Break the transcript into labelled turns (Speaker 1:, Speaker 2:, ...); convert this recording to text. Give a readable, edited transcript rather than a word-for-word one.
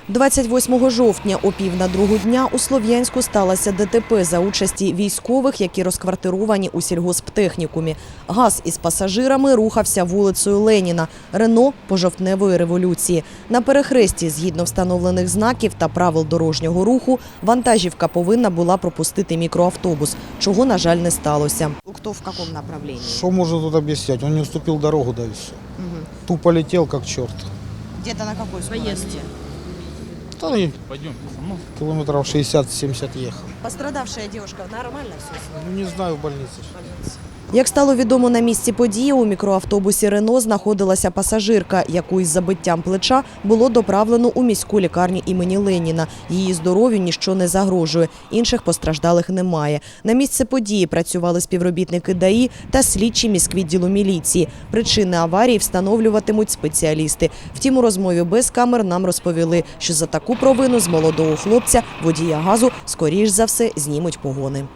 Speaker 1: 28 жовтня о 1:30 дня у Слов'янську сталося ДТП за участі військових, які розквартировані у сільгосптехнікумі. ГАЗ із пасажирами рухався вулицею Леніна, Рено – по жовтневої революції. На перехресті, згідно встановлених знаків та правил дорожнього руху, вантажівка повинна була пропустити мікроавтобус, чого, на жаль, не сталося.
Speaker 2: Кто в каком направлении?
Speaker 3: Что можно тут объяснять? Он не уступил дорогу, да и все. Тупо летел, как черт.
Speaker 2: Где-то на какой скорости?
Speaker 3: Да, и километров 60-70 ехал.
Speaker 2: Пострадавшая девушка нормально все?
Speaker 3: Ну, не знаю, в больнице.
Speaker 1: Як стало відомо на місці події, у мікроавтобусі «Рено» знаходилася пасажирка, яку із забиттям плеча було доправлено у міську лікарню імені Леніна. Її здоров'ю ніщо не загрожує, інших постраждалих немає. На місце події працювали співробітники ДАІ та слідчі міськвідділу міліції. Причини аварії встановлюватимуть спеціалісти. Втім, у розмові без камер нам розповіли, що за таку провину з молодого хлопця, водія газу, скоріш за все, знімуть погони.